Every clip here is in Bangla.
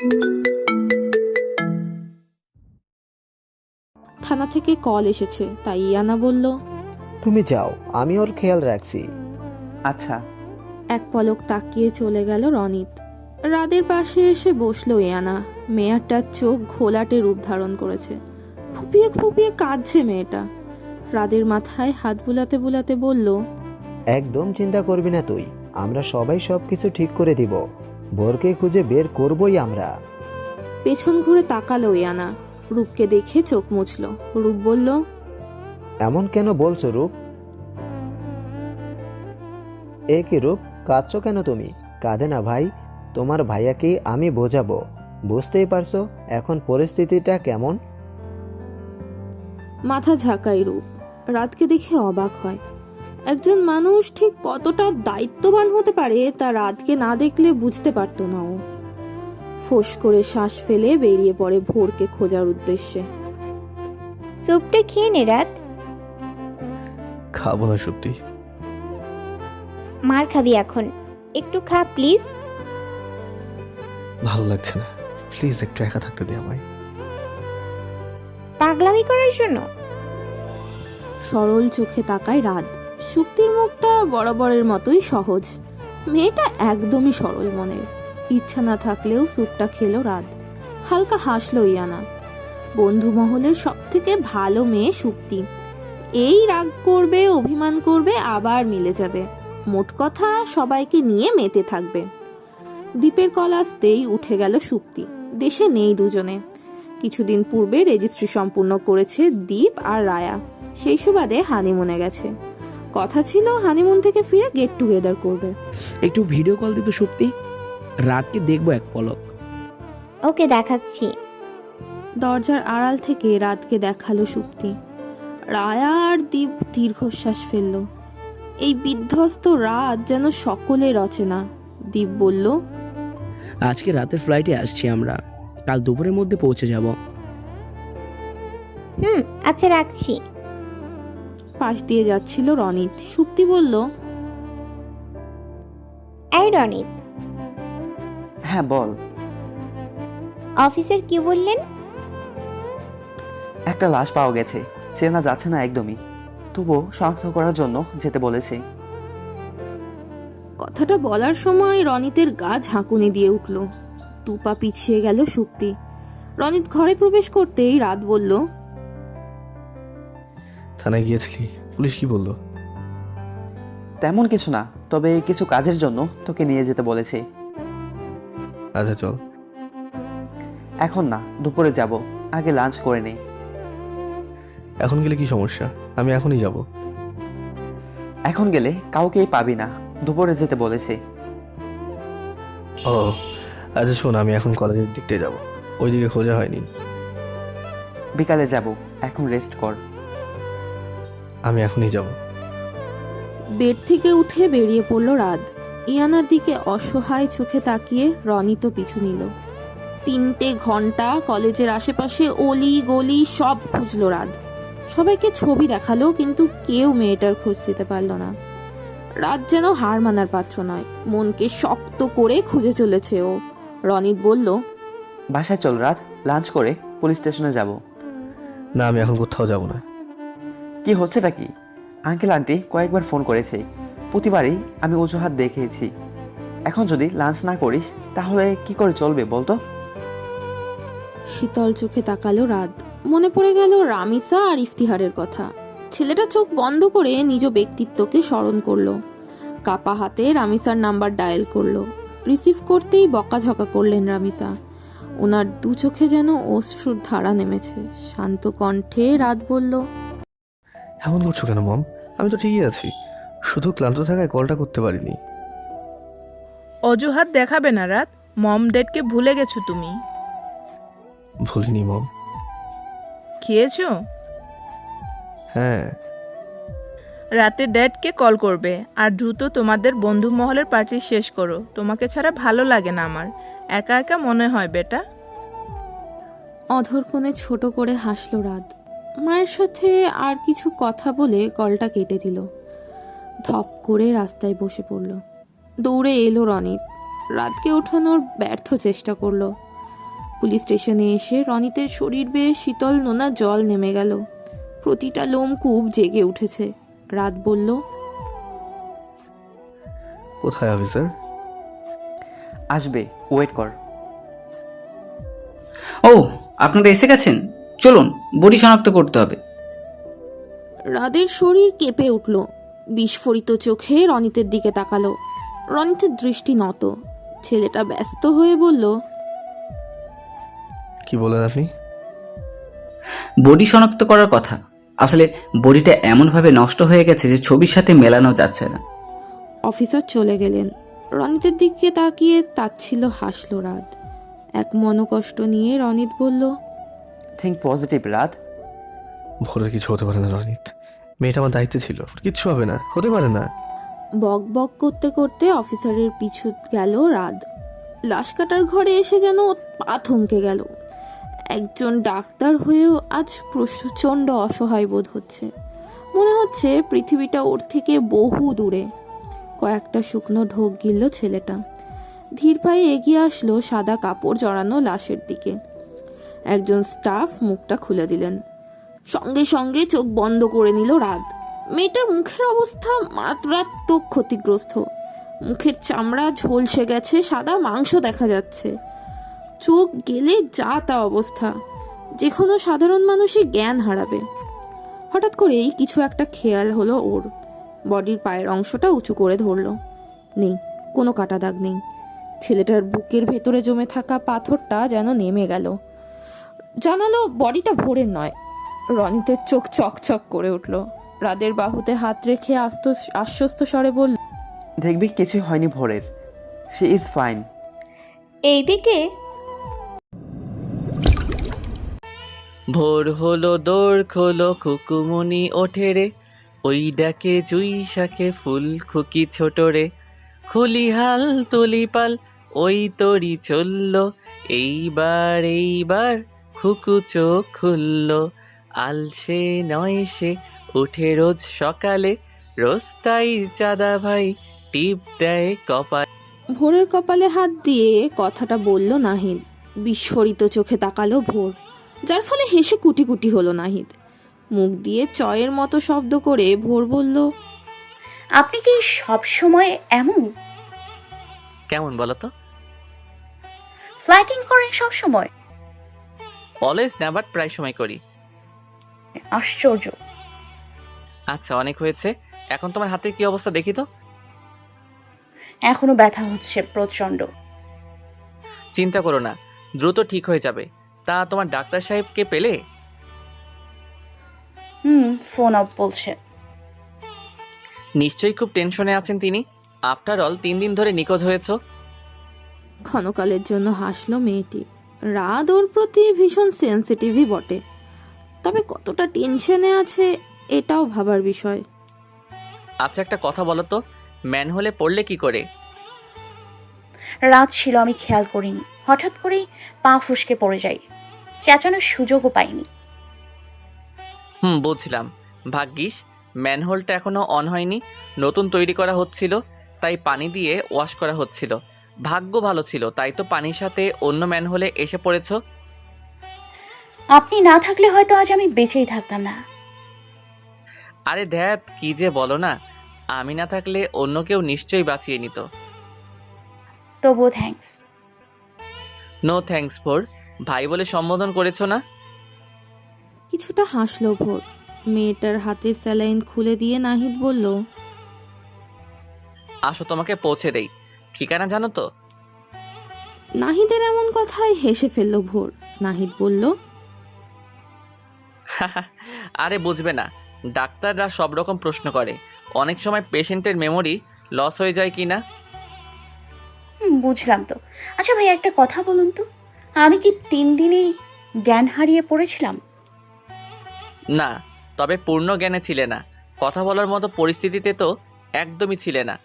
থানা থেকে কল এসেছে, তাই ইয়ানা বলল, তুমি যাও, আমি ওর খেয়াল রাখছি। আচ্ছা। এক পলক তাকিয়ে চলে গেল রনিত। রাদের পাশে এসে বসলো ইয়ানা। মেয়েটার চোখ ঘোলাটে রূপ ধারণ করেছে, ফুপিয়ে ফুপিয়ে কাঁদছে মেয়েটা। রাদের মাথায় হাত বুলাতে বুলাতে বলল, একদম চিন্তা করবি না তুই, আমরা সবাই সবকিছু ঠিক করে দিব। বোরকে খুঁজে বের করবই আমরা। পেছন ঘুরে তাকালো ইয়ানা। রূপকে দেখে চোখ মুছল। রূপ বলল, এমন কেন বলছো রূপ? এ কি রূপ, কাঁদছো কেন তুমি? কাঁদে না ভাই, তোমার ভাইয়াকে আমি বোঝাবো। বুঝতেই পারছো এখন পরিস্থিতিটা কেমন। মাথা ঝাঁকায় রূপ। রাতকে দেখে অবাক হয়। একজন মানুষ ঠিক কতটা দায়িত্ববান হতে পারে তা রাতকে না দেখলে বুঝতে পারতো না ও। ফোঁস করে শ্বাস ফেলে বেরিয়ে পড়ে ভোরকে খোঁজার উদ্দেশ্যে। স্যুপটা খেয়ে নে রাত। খাবো না সত্যি। মার খাবি এখন, একটু খা প্লিজ। ভালো লাগছে না, প্লিজ একটু একা থাকতে দে আমায়। পাগলামি করার জন্য। সরল চোখে তাকায় রাত। সুক্তির মুখটা বরাবরের মতোই সহজ। মেয়েটা একদমই সরল মনের। ইচ্ছা না থাকলেও স্যুপটা খেলো রাত। হালকা হাসলো ইয়ানা। বন্ধু মহলের সব থেকে ভালো মেয়ে সুক্তি। এই রাগ করবে, অভিমান করবে, আবার মিলে যাবে। মোট কথা সবাইকে নিয়ে মেতে থাকবে। দ্বীপের কল আসতেই উঠে গেল সুক্তি। দেশে নেই দুজনে। কিছুদিন পূর্বে রেজিস্ট্রি সম্পূর্ণ করেছে দ্বীপ আর রায়া। সেই সুবাদে হানিমুনে গেছে। কথা ছিল হানিমুন থেকে ফিরে গেট টুগেদার করবে। একটু ভিডিও কল দিত সুপ্তি, রাতকে দেখবো এক পলক। ওকে দেখাচ্ছি। দরজার আড়াল থেকে রাতকে দেখালো সুপ্তি। রায়া আর দ্বীপ দীর্ঘশ্বাস ফেলল। এই বিধ্বস্ত রাত যেন সকলের অচেনা। দ্বীপ বলল, আজকে রাতের ফ্লাইটে আসছি আমরা, কাল দুপুরের মধ্যে পৌঁছে যাব। আচ্ছা রাখছি। পাশ দিয়ে যাচ্ছিল রনিত। সুপ্তি বলল, এই রনিত, হ্যাঁ বল। অফিসার কি বললেন? একটা লাশ পাওয়া গেছে, চেনা যাচ্ছে না একদমই, তবুও শনাক্ত করার জন্য যেতে বলেছে। কথাটা বলার সময় রনিতের গা ঝাঁকুনি দিয়ে উঠল। দুপা পিছিয়ে গেল সুপ্তি। রনিত ঘরে প্রবেশ করতেই রাত বলল, থানায় গিয়েছিলি, পুলিশ কি বললো? তেমন কিছু না, তবে কিছু কাজের জন্য তোকে নিয়ে যেতে বলেছে। আচ্ছা চল। এখন না, দুপুরে যাব, আগে লাঞ্চ করে নেই। এখন গেলে কি সমস্যা? আমি এখনই যাব। এখন গেলে কাউকেই পাবি না, দুপুরে যেতে বলেছে। ও আচ্ছা শোন, আমি এখন কলেজের দিকটাই যাব, ওইদিকে খোঁজা হয়নি। বিকালে যাব, এখন রেস্ট কর। আমি এখনই যাব। বেড থেকে উঠে বেরিয়ে পড়ল রাত। ইয়ানার দিকে অসহায় চোখে তাকিয়ে রনিত পিছু নিল। 3টে ঘন্টা কলেজের আশেপাশে অলি গলি সব খুঁজল রাত। সবাইকে ছবি দেখালো, কিন্তু কেউ মেয়েটার খোঁজ দিতে পারল না। রাত যেন হার মানার পাত্র নয়, মনকে শক্ত করে খুঁজে চলেছে ও। রনিত বলল, বাসায় চল রাত, লাঞ্চ করে পুলিশ স্টেশনে যাব। না, আমি এখন কোথাও যাব না। কি হচ্ছেটা কি? আঙ্কেল আন্টি কয়েকবার ফোন করেছে, প্রতিবারই আমি অজুহাত দেখিয়েছি। এখন যদি লাঞ্চ না করিস তাহলে কি করে চলবে বলতো? শীতল চোখে তাকালো রাত। মনে পড়ে গেল রামিসা আর ইফতিহারের কথা। ছেলেটা চোখ বন্ধ করে নিজ ব্যক্তিত্বকে স্মরণ করলো। কাপা হাতে রামিসার নাম্বার ডায়াল করলো। রিসিভ করতেই বকাঝকা করলেন রামিসা। ওনার দু চোখে যেন অশ্রুর ধারা নেমেছে। শান্ত কণ্ঠে রাত বলল, এমন করছো কেন মম? আমি তো ঠিকই আছি, শুধু ক্লান্ত থাকায় কলটা করতে পারিনি। অজুহাত দেখাবে না রাত, মম ডেটকে ভুলে গেছো তুমি। ভুলিনি মম। খেয়েছো? হ্যাঁ। রাতে ড্যাডকে কল করবে আর দ্রুত তোমাদের বন্ধু মহলের পার্টি শেষ করো। তোমাকে ছাড়া ভালো লাগে না আমার, একা একা মনে হয় বেটা। অধর কোণে ছোট করে হাসল রাত। মায়ের সাথে আর কিছু কথা বলে কলটা কেটে দিল। ধপ করে রাস্তায় বসে পড়ল। দৌড়ে এলো রনিত। রাতকে ওঠানোর ব্যর্থ চেষ্টা করলো। পুলিশ স্টেশনে এসে রনিতের শরীর বেয়ে শীতল নোনা জল নেমে গেল। প্রতিটা লোমকূপ জেগে উঠেছে। রাত বলল, কোথায় অফিসার? আসবে, ওয়েট কর। ও, আপনারা এসে গেছেন, চলুন বডি শনাক্ত করতে হবে। রাদের শরীর কেঁপে উঠল। বিস্ফোরিত চোখে রনিতের দিকে তাকালো। রনিতের দৃষ্টি নত। ছেলেটা ব্যস্ত হয়ে বলল, কি বলেন আপনি? বডি শনাক্ত করার কথা। আসলে বডিটা এমনভাবে নষ্ট হয়ে গেছে যে ছবির সাথে মেলানো যাচ্ছে না। অফিসার চলে গেলেন। রনিতের দিকে তাকিয়ে তাচ্ছিল্য হাসল রাত। এক মনোকষ্ট নিয়ে রনিত বলল, থিঙ্ক পজিটিভ রাত। ভোরের কিছু হতে পারে না রনিত। মেয়েটা আমার দায়িত্বে ছিল, কিচ্ছু হবে না, হতে পারে না। বক বক করতে করতে অফিসারের পিছু গেল রাত। লাশ কাটার ঘরে এসে যেন পা থমকে গেল। একজন ডাক্তার হয়েও আজ প্রচণ্ড অসহায় বোধ হচ্ছে। মনে হচ্ছে পৃথিবীটা ওর থেকে বহু দূরে। কয়েকটা শুকনো ঢোক গিলল ছেলেটা। ধীর পায়ে এগিয়ে আসলো সাদা কাপড় জড়ানো লাশের দিকে। একজন স্টাফ মুখটা খুলে দিলেন। সঙ্গে সঙ্গে চোখ বন্ধ করে নিল রাত। মেয়েটার মুখের অবস্থা মারাত্মক ক্ষতিগ্রস্ত। মুখের চামড়া ঝলসে গেছে, সাদা মাংস দেখা যাচ্ছে। চোখ গেলে যা তা অবস্থা, যে কোনো সাধারণ মানুষই জ্ঞান হারাবে। হঠাৎ করেই কিছু একটা খেয়াল হলো ওর। বডির পায়ের অংশটা উঁচু করে ধরলো। নেই, কোনো কাটা দাগ নেই। ছেলেটার বুকের ভেতরে জমে থাকা পাথরটা যেন নেমে গেল। জানালো বডিটা ভোরের নয়। রনিতের চোখ চকচক করে উঠল। রাদের বাহুতে হাত রেখে আশ্বস্ত স্বরে বলল, দেখবি কিছু হয়নি ভোরের, শি ইজ ফাইন। এইদিকে ভোর হলো, দৌড় খোলো, খুকুমনি ওঠে রে, ওই ডাকে জুই শাকে ফুল খুকি ছোট রে, খুলি হাল তুলি পাল, ওই তরি চলল, এইবার এইবার খুকু চোখ খুলল, আলসে নয় সে উঠে রোজ সকালে, রোজ তাই চাঁদা ভাই টিপ দেয় কপাল। ভোরের কপালে হাত দিয়ে কথাটা বলল নাহিদ। বিস্ফোরিত চোখে তাকালো ভোর, যার ফলে হেসে কুটি কুটি হলো নাহিদ। মুখ দিয়ে চয়ের মতো শব্দ করে ভোর বলল, আপনি কি সব সময় এমন কেমন বলো তো? ফ্লাইটিং করেন সব সময়? অলওয়েজ না, বাট প্রায় সময় করি। আশ্চর্য। আচ্ছা, অনেক হয়েছে। এখন তোমার হাতে কি অবস্থা দেখি তো। এখনো ব্যথা হচ্ছে প্রচন্ড। চিন্তা করো না, দ্রুত ঠিক হয়ে যাবে। তা তোমার ডাক্তার সাহেবকে পেলে? ফোন অফ বলছে। নিশ্চয়ই খুব টেনশনে আছেন তিনি। আফটার অল 3 দিন ধরে নিখোঁজ হয়েছ। ক্ষণকালের জন্য হাসলো মেয়েটি। রাত ওর প্রতি ভীষণ সেন্সিটিভই বটে, তবে কতটা টেনশনে আছে এটাও ভাবার বিষয়। আচ্ছা, একটা কথা বলো তো, ম্যানহোলে পড়লে কি করে? রাত ছিল, আমি খেয়াল করিনি। হঠাৎ করেই পা ফুসকে পড়ে যাই। চেঁচানোর সুযোগও পাইনি। বুঝলাম। ভাগ্যিস ম্যানহোলটা এখনো অন হয়নি, নতুন তৈরি করা হচ্ছিল, তাই পানি দিয়ে ওয়াশ করা হচ্ছিল। ভাগ্য ভালো ছিল, তাই তো পানির সাথে অন্য ম্যানহোলে এসে পড়েছ। আপনি না থাকলে হয়তো আজ আমি বেঁচেই থাকতাম না। আরে ধ্যাত, কি যে বলো না। আমি না থাকলে অন্য কেউ নিশ্চয়ই বাঁচিয়ে নিত। তবুও থ্যাঙ্কস। নো থ্যাঙ্কস ফর, ভাই বলে সম্বোধন করেছো না? কিছুটা হাসলো ভোর। মেয়েটার হাতের স্যালাইন খুলে দিয়ে নাহিদ বলল, আসো তোমাকে পৌঁছে দেই। ঠিকানা জানো তো? নাহিদের এমন কথায় হেসে ফেলল ভোর। নাহিদ বলল, আরে বুঝবে না, ডাক্তাররা সব রকম প্রশ্ন করে। অনেক সময় পেশেন্টের মেমোরি লস হয়ে যায় কি না। বুঝলাম তো। আচ্ছা ভাই, একটা কথা বলুন তো, আমি কি 3 দিনেই জ্ঞান হারিয়ে পড়েছিলাম? না, তবে পূর্ণ জ্ঞানে ছিলে না। কথা বলার মতো পরিস্থিতিতে তো একদমই ছিলে না।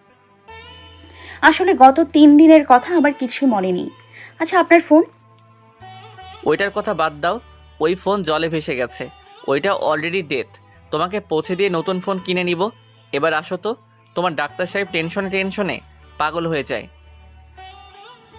আসলে গত 3 দিনের কথা আমার কিছুই মনে নেই। আচ্ছা, আপনার ফোন? ওইটার কথা বাদ দাও, ওই ফোন জলে ভেসে গেছে। ওইটা অলরেডি ডেথ। তোমাকে পৌঁছে দিয়ে নতুন ফোন কিনে নিব। এবার আসো তো, তোমার ডাক্তার সাহেব টেনশনে টেনশনে পাগল হয়ে যায়।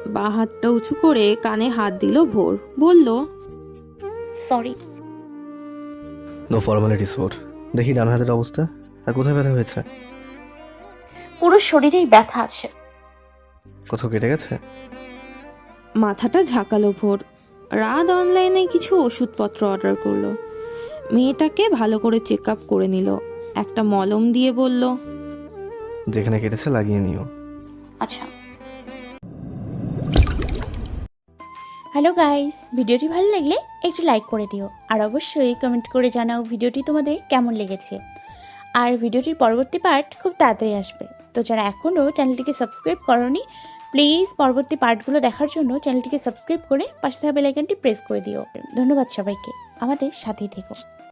বা হাতটা উঁচু করে কানে হাত দিল ভোর, বলল, সরি। No formalities four. দেখি ডান হাতের অবস্থা, আর কোথায় ব্যথা হয়েছে? পুরো শরীরেই ব্যথা আছে। কোথাও কেটে গেছে? মাথাটা ঝাঁকালো ভোর। রাত অনলাইনে কিছু ওষুধপত্র অর্ডার করলো। মেয়েটাকে ভালো করে চেক আপ করে নিল, একটা মলম দিয়ে বলল, যেখানে কেটেছে লাগিয়ে নিও। আচ্ছা। হ্যালো গাইস, ভিডিওটি ভালো লাগলে একটু লাইক করে দিও, আর অবশ্যই কমেন্ট করে জানাও ভিডিওটি তোমাদের কেমন লেগেছে। আর ভিডিওটির পরবর্তী পার্ট খুব তাড়াতাড়ি আসবে, তো যারা এখনও চ্যানেলটিকে সাবস্ক্রাইব করোনি প্লিজ পরবর্তী পার্টগুলো দেখার জন্য চ্যানেলটিকে সাবস্ক্রাইব করে পাশে থাকা বেল আইকনটি প্রেস করে দিও। ধন্যবাদ সবাইকে, আমাদের সাথেই থেকো।